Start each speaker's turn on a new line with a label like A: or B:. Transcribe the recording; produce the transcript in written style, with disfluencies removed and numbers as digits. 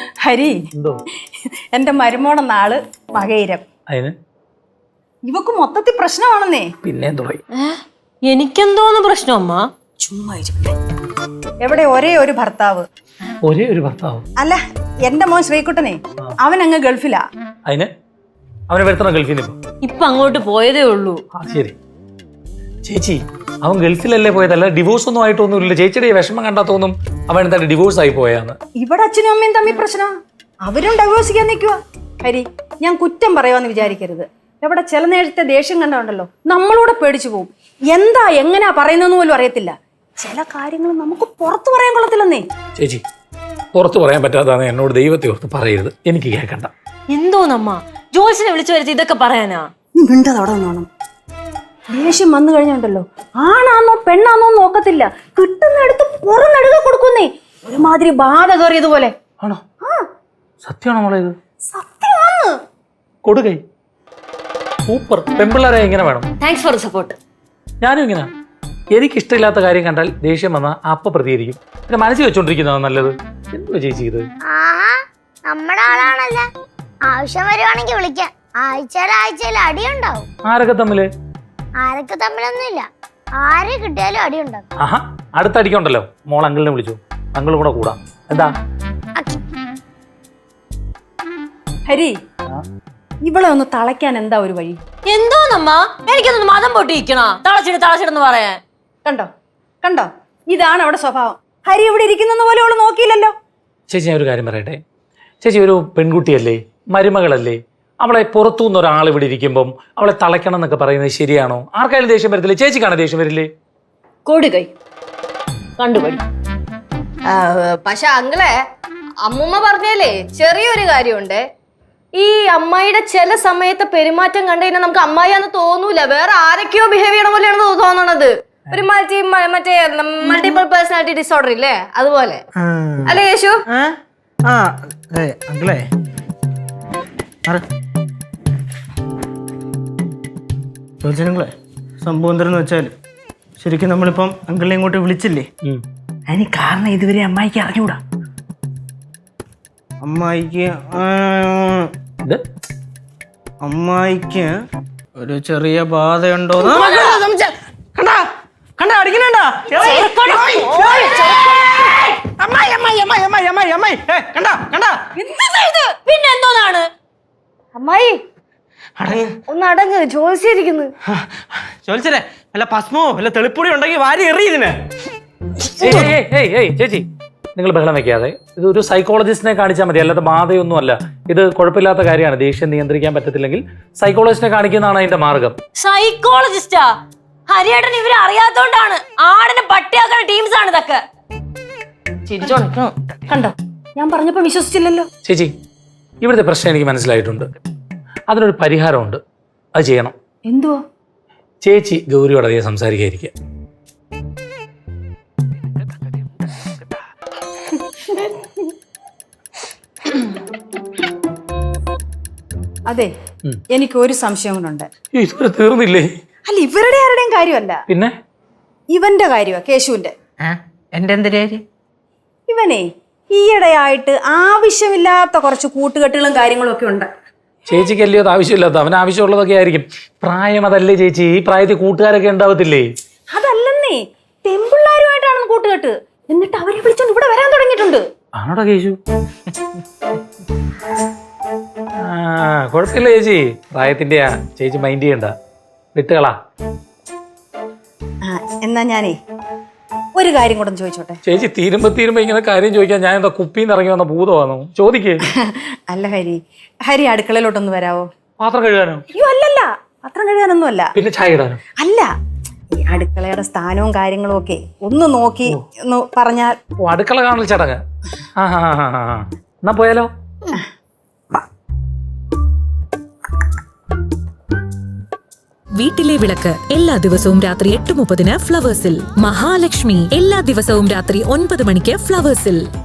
A: ഹരി എന്റെ മരുമോടെ നാള് മകയിരം. ഇവക്ക് മൊത്തത്തിൽ പ്രശ്നമാണെന്നേ.
B: പിന്നെ
C: എനിക്കെന്തോന്ന് പ്രശ്നം അമ്മ?
A: ചുമ്മാ എവിടെ ഒരേ ഒരു ഭർത്താവ്. അല്ല എന്റെ മോൻ ശ്രീകുട്ടനെ അവൻ അങ്ങ് ഗൾഫിലാ.
B: അവനെ വരുത്തണം ഗൾഫിൽ
C: ഇപ്പൊ അങ്ങോട്ട് പോയതേ ഉള്ളൂ.
B: ശരി ചേച്ചി, അവൻ ഗൾഫിലല്ലേ പോയതല്ല, ഡിവോഴ്സ് ഒന്നും ആയിട്ടൊന്നുമില്ല. ചേച്ചിയുടെ വിഷമം കണ്ടാ തോന്നും അവൻ എന്താ ഡിവോഴ്സ് ആയി പോയാന്ന്.
A: ഇവിടെ അച്ഛനും അമ്മയും തമ്മിൽ പ്രശ്നം, അവരും ഡൈവോഴ്സ് ചെയ്യാൻ നിൽക്കുക. ഹരി, ഞാൻ കുറ്റം പറയുവാന്ന് വിചാരിക്കരുത്. ഇവിടെ ചില നേരത്തെ ദേഷ്യം കണ്ടുണ്ടല്ലോ നമ്മളൂടെ പേടിച്ചു പോകും. എന്താ എങ്ങനെയാ പറയുന്നതെന്ന് പോലും അറിയത്തില്ല. ചില കാര്യങ്ങൾ നമുക്ക് പുറത്തു പറയാൻ കൊള്ളത്തില്ലെന്നേ.
B: ചേച്ചി, പുറത്തു പറയാൻ പറ്റാതാണ് എന്നോട് ദൈവത്തെ ഓർത്ത് പറയരുത്, എനിക്ക് കേൾക്കണ്ട.
C: എന്തോന്നമ്മ ജോത്സ്യനെ വിളിച്ചു വരുത്തി ഇതൊക്കെ പറയാനാ?
A: മിണ്ടതവിടെ വേണം. ദേഷ്യം വന്നു കഴിഞ്ഞുണ്ടല്ലോ ആണാന്നോ പെണ്ണാന്നോ നോക്കത്തില്ല, കിട്ടുന്നെടുത്ത് പുറന്നെടുക കൊടുക്കുന്നേ. ഒരുമാതിരി ബാധ കയറിയതുപോലെ.
B: ആണോ? സത്യമാണോ മോളെ ഇത്?
A: സത്യമാണ്.
B: കൊടുകൈ സൂപ്പർ. പെമ്പിള്ളേരെ ഇങ്ങനെ വേണം.
C: Thanks for support.
B: ഞാനും ഇങ്ങനെ, എനിക്കിഷ്ടമില്ലാത്ത കാര്യം കണ്ടാൽ ദേഷ്യം വന്നാൽ അപ്പ പ്രതികരിക്കും. പിന്നെ മനസ്സിൽ വെച്ചോണ്ടിരിക്കുന്നതാണ് നല്ലത്. എന്തോ ചേച്ചി ഇത്?
D: നമ്മുടെ ആളാണല്ലേ, ആവശ്യം വരുവാണെങ്കിൽ വിളിക്കാം. ആഴ്ചയിൽ അടിയുണ്ടാവും.
B: ആരൊക്കെ തമ്മില്?
D: ആരൊക്കെ തമ്മിലൊന്നുമില്ല, ആരെ കിട്ടിയാലും അടിയുണ്ടാവും.
B: ആഹാ, അടുത്ത അടിക്കുണ്ടല്ലോ മോൾ അങ്കിളിനെ വിളിച്ചു, അങ്കിളും കൂടെ കൂടാം. എന്താ
A: ഹരി, ഇവളെ ഒന്ന് തളയ്ക്കാൻ എന്താ ഒരു വഴി?
C: എന്തോന്നമ്മ എനിക്കൊന്ന് മതം പൊട്ടിയിരിക്കണ തളച്ചിടെന്ന് പറയാൻ?
A: കണ്ടോ ഇതാണ് അവിടെ സ്വഭാവം. ഹരി ഇവിടെ ഇരിക്കുന്ന പോലെ അവള് നോക്കിയില്ലല്ലോ.
B: ചേച്ചി, ഞാൻ ഒരു കാര്യം പറയട്ടെ. ചേച്ചി ഒരു പെൺകുട്ടിയല്ലേ, മരുമകളല്ലേ, അവളെ പുറത്തുനിന്ന് ഒരാൾ ഇവിടെ ഇരിക്കുമ്പം അവളെ തളയ്ക്കണം എന്നൊക്കെ പറയുന്നത് ശരിയാണോ? ആർക്കായാലും ദേഷ്യം വരത്തില്ലേ? ചേച്ചിക്കാണ് ദേഷ്യം വരില്ലേ?
C: കൊടുകൈ കണ്ടുപടി.
E: പക്ഷെ അങ്ങളെ അമ്മൂമ്മ പറഞ്ഞല്ലേ ചെറിയൊരു കാര്യമുണ്ട്. ഈ അമ്മായിയുടെ ചില സമയത്തെ പെരുമാറ്റം കണ്ടു കഴിഞ്ഞാൽ നമുക്ക് അമ്മായിയാന്ന് തോന്നൂല, വേറെ ആരൊക്കെയോ ബിഹേവ് ചെയ്യണ പോലെയാണ് തോന്നണത്. ഒരു മറ്റേ മൾട്ടിപ്പിൾ പേഴ്സണാലിറ്റി ഡിസോർഡർ ഇല്ലേ, അതുപോലെ അല്ലേ യേശു?
F: സംഭവം എന്തെന്ന് വെച്ചാൽ ശരിക്കും നമ്മളിപ്പം അങ്കിളിനെ ഇങ്ങോട്ട് വിളിച്ചില്ലേ, അതിന് കാരണം ഇതുവരെ അമ്മായിക്ക് അറിഞ്ഞൂടാ. അമ്മായിക്ക് ഒരു ചെറിയ ബാധയുണ്ടോ കണ്ടാ അടിക്കണ.
C: പിന്നെ എന്തോന്നാണ്
E: അമ്മായി ഒന്ന് അടങ്ങ്, ജോലിച്ചിരിക്കുന്നു.
F: ചോദിച്ചേ വല്ല ഭസ്മോ വല്ല തെളിപ്പൊടി ഉണ്ടെങ്കിൽ വാരി എറിയതിന്.
B: ചേച്ചി, നിങ്ങൾ ബഹളം വെക്കാതെ. ഇതൊരു സൈക്കോളജിസ്റ്റിനെ കാണിച്ചാൽ മതി, അല്ലാതെ ബാധയൊന്നും അല്ല. ഇത് കുഴപ്പമില്ലാത്ത കാര്യമാണ്. ദേഷ്യം നിയന്ത്രിക്കാൻ പറ്റത്തില്ലെങ്കിൽ സൈക്കോളജിസ്റ്റിനെ കാണിക്കുന്നതാണ് അതിന്റെ മാർഗം.
C: സൈക്കോളജിസ്റ്റാ? ഹരിയേട്ടൻ ഇവരെ അറിയാത്തോണ്ടാണ്. ആടിനെ പട്ടിയാക്കുന്ന ടീംസ് ആണ് ഇതൊക്കെ.
A: കണ്ടോ, ഞാൻ പറഞ്ഞപ്പോ വിശ്വസിച്ചില്ലല്ലോ.
B: ചേച്ചി, ഇവിടുത്തെ പ്രശ്നം എനിക്ക് മനസ്സിലായിട്ടുണ്ട്. അതിനൊരു പരിഹാരമുണ്ട്, അത് ചെയ്യണം.
A: എന്തുവാ?
B: ചേച്ചി ഗൗരിയോട് അധികം സംസാരിക്കാതിരിക്കുക.
A: അതെ, എനിക്ക് ഒരു സംശയം കൊണ്ടുണ്ട്.
B: ഇതുവരെ തീർന്നില്ലേ?
A: അല്ല, ഇവരുടെ ആരുടെയും കാര്യമല്ല,
B: പിന്നെ
A: ഇവന്റെ കാര്യമാ, കേശുവിന്റെ.
F: എന്റെ എന്തൊരു കാര്യം?
A: ഇവനെ ഈയിടെയായിട്ട് ആവശ്യമില്ലാത്ത കുറച്ച് കൂട്ടുകെട്ടുകളും കാര്യങ്ങളും ഒക്കെ ഉണ്ട്.
B: ചേച്ചിക്ക് അല്ലയോ അത് ആവശ്യമില്ലാത്ത? അവന് ആവശ്യമുള്ളതൊക്കെ ആയിരിക്കും. പ്രായം അതല്ലേ ചേച്ചി, ഈ പ്രായത്തിൽ കൂട്ടുകാരൊക്കെ ഉണ്ടാവത്തില്ലേ?
A: അതല്ലെന്നേ, പെമ്പിള്ളാരുമായിട്ടാണ് കൂട്ടുകെട്ട്. എന്നിട്ട് അവരെ വിളിച്ചോണ്ട് ഇവിടെ വരാൻ തുടങ്ങിയിട്ടുണ്ട്.
B: ആണോടാ കേശു? കുഴപ്പമില്ല ചേച്ചി, പ്രായത്തിന്റെയാ, ചേച്ചി മൈൻഡ് ചെയ്യണ്ട, വിട്ടുകളാ.
A: എന്നാ ഞാനേ ഒരു കാര്യം കൂടെ ചോദിച്ചോട്ടെ?
B: ചേച്ചി തീരുമ്പോ ഇങ്ങനെ കാര്യം ചോദിക്കാൻ ഞാൻ എന്താ കുപ്പിന്ന് ഇറങ്ങി വന്ന ഭൂതമാണോ? ചോദിക്കേ.
A: അല്ല ഹരി അടുക്കളയിലോട്ടൊന്ന് വരാവോ?
B: പാത്രം കഴുകാനോ?
A: അയ്യോ അല്ലല്ല, പാത്രം കഴുകാനൊന്നും അല്ല.
B: പിന്നെ ചായ ഇടാനോ?
A: അല്ല, ഈ അടുക്കളയുടെ സ്ഥാനവും കാര്യങ്ങളും ഒക്കെ ഒന്ന് നോക്കി ഒന്ന് പറഞ്ഞാൽ.
B: അടുക്കള കാണൽ ചടങ്ങ്. എന്നാ പോയാലോ?
G: വീട്ടിലെ വിളക്ക് എല്ലാ ദിവസവും രാത്രി 8:30 ഫ്ലവേഴ്സിൽ. മഹാലക്ഷ്മി എല്ലാ ദിവസവും രാത്രി 9 മണിക്ക് ഫ്ലവേഴ്സിൽ.